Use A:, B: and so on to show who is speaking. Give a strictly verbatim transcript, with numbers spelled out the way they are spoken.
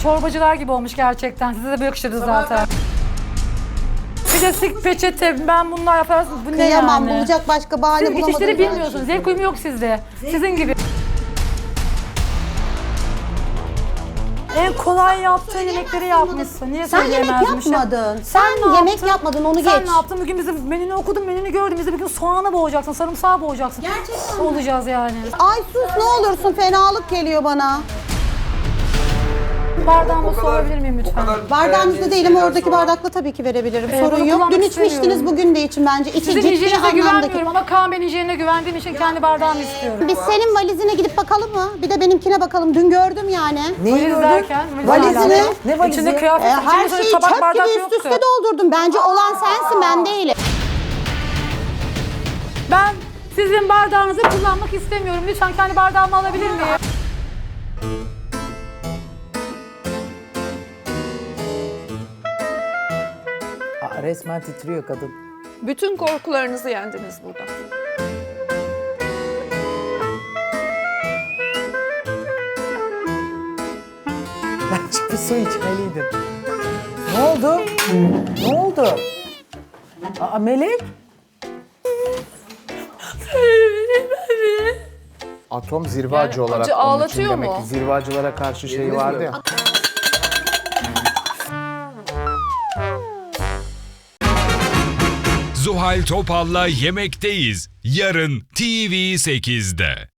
A: çorbacılar gibi olmuş gerçekten. Size de böyle yakışırdı zaten. Plastik peçete, ben bunlar yaparsın. Bu ne
B: Kıyamam,
A: yani?
B: bulacak başka bahane
A: Siz
B: bulamadınız.
A: geçişleri bilmiyorsunuz. Zevk uyumu yok sizde. Sizin gibi. En kolay yaptığın yemekleri yapmışsın. Niye
B: Sen yemek
A: söyleyemezmişim?
B: yapmadın.
A: Sen,
B: Sen
A: ne
B: yemek
A: yaptın?
B: yapmadın, onu
A: Sen
B: geç.
A: ne yaptın? Bugün bizim menünü okudum, menünü gördüm. Biz de bugün soğanı boğacaksın, sarımsağı boğacaksın.
B: Gerçekten
A: olacağız yani.
B: Ay sus ne olursun, fenalık geliyor bana.
A: Bardağımı su alabilir miyim lütfen?
B: Bardağınızda değil ama oradaki bardakla tabii ki verebilirim.
A: Ee,
B: Sorun
A: bunu
B: yok.
A: kullanmak
B: Dün içmiştiniz,
A: istemiyorum.
B: bugün de için bence. İçi
A: Sizin
B: ciddi
A: hijyeninize
B: anlamda.
A: güvenmiyorum ama Kaan Bey'in hijyenine güvendiğim için kendi bardağımı istiyorum.
B: Biz senin valizine gidip bakalım mı? Bir de benimkine bakalım. Dün gördüm yani.
C: Neyi
A: Valiz
C: gördün?
A: derken,
B: Valizini-
A: alakalı.
C: Ne valizi?
A: İçinde
B: E,
A: kıyafet,
B: her
A: içinde
B: şeyi
A: tabak
B: çöp
A: bardak
B: gibi üst
A: yoktu.
B: üste doldurdum. Bence olan sensin, ben değilim.
A: Ben sizin bardağınızı kullanmak istemiyorum. Lütfen kendi bardağımı alabilir miyim?
C: Aa, resmen titriyor kadın.
D: Bütün korkularınızı yendiniz burada.
C: Bence bir su içmeliydin. Ne oldu? Ne oldu? Aa, Melek?
E: Atom zirve
D: Yani
E: acı olarak
D: acı
E: onun için
D: ağlatıyor
E: demek
D: mu?
E: ki zirve acılara karşı şey vardı ya.
F: Zuhal Topal'la Yemekteyiz. Yarın T V sekizde.